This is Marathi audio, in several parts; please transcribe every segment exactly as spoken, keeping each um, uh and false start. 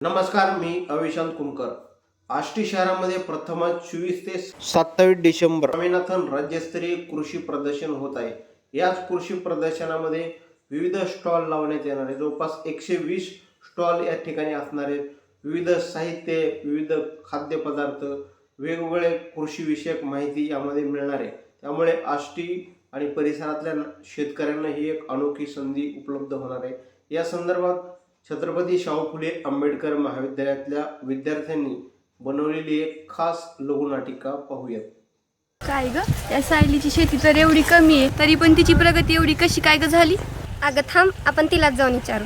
नमस्कार, मी अविशांत कुमकर. आष्टी शहरामध्ये प्रथमच चोवीस ते सत्तावीस डिसेंबर स्वामीनाथन राज्यस्तरीय कृषी प्रदर्शन होत आहे. याच कृषी प्रदर्शनामध्ये विविध स्टॉल लावण्यात येणार आहे. जवळपास एकशे वीस स्टॉल या ठिकाणी असणार आहेत. विविध साहित्य, विविध खाद्यपदार्थ, वेगवेगळे कृषी विषयक माहिती यामध्ये मिळणार आहे. त्यामुळे आष्टी आणि परिसरातल्या शेतकऱ्यांना ही एक अनोखी संधी उपलब्ध होणार आहे. या संदर्भात छत्रपती शाहू फुले आंबेडकर महाविद्यालयातल्या विद्यार्थ्यांनी बनवलेली एक खास लघुनाटिका पाहूयात. काय ग, या सायलीची शेती तर एवढी कमी आहे, तरी पण तिची प्रगती एवढी कशी काय ग झाली? अगं थांब, आपण तिलाच जाऊन विचारू.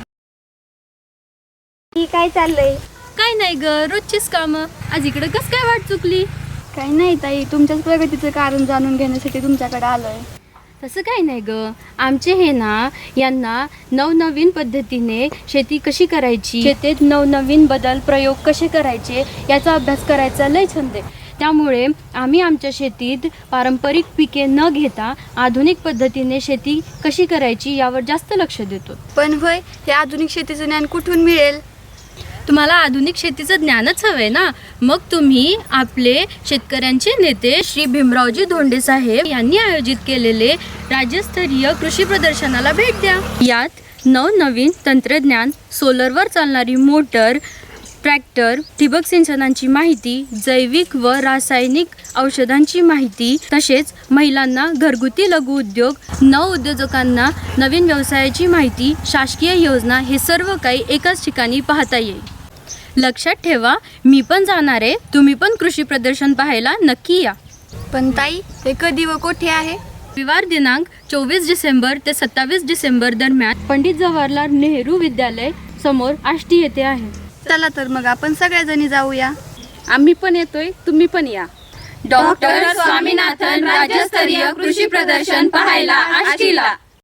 ही काय चाललंय? काय नाही ग, रोजचीच कामं. आज इकडे कस काय वाट चुकली? काही नाही ताई, तुमच्याच प्रगतीचं कारण जाणून घेण्यासाठी तुमच्याकडे आलोय. तसं काही नाही ग, आमचे हे ना यांना नवनवीन पद्धतीने शेती कशी करायची, शेतीत नवनवीन बदल प्रयोग कसे करायचे याचा अभ्यास करायचा लय छंद आहे. त्यामुळे आम्ही आमच्या शेतीत पारंपरिक पिके न घेता आधुनिक पद्धतीने शेती कशी करायची यावर जास्त लक्ष देतो. पण वय, हे आधुनिक शेतीचं ज्ञान कुठून मिळेल? तुम्हाला आधुनिक शेतीचं ज्ञानच हवंय ना, मग तुम्ही आपले शेतकऱ्यांचे नेते श्री भीमरावजी धोंडे साहेब यांनी आयोजित केलेले राज्यस्तरीय कृषी प्रदर्शनाला भेट द्या. यात नवनवीन तंत्रज्ञान, सोलरवर चालणारी मोटर, ट्रॅक्टर, ठिबक सिंचनाची माहिती, जैविक व रासायनिक औषधांची माहिती, तसेच महिलांना घरगुती लघु उद्योग, नवउद्योजकांना नवीन व्यवसायाची माहिती, शासकीय योजना, हे सर्व काही एकाच ठिकाणी पाहता येईल. लक्षात ठेवा, मी पण जाणार आहे, तुम्ही पण कृषी प्रदर्शन पाहायला नक्की या. पण ताई, हे कधी व कुठे आहे? रविवार दिनांक चोवीस डिसेंबर ते सत्तावीस डिसेंबर दरम्यान पंडित जवाहरलाल नेहरू विद्यालय समोर आष्टी येथे आहे. चला तर मग आपण सगळ्याजणी जाऊया. आम्ही पण येतोय, तुम्ही पण या. डॉक्टर स्वामीनाथन राज्यस्तरीय कृषी प्रदर्शन पाहायला आष्टीला.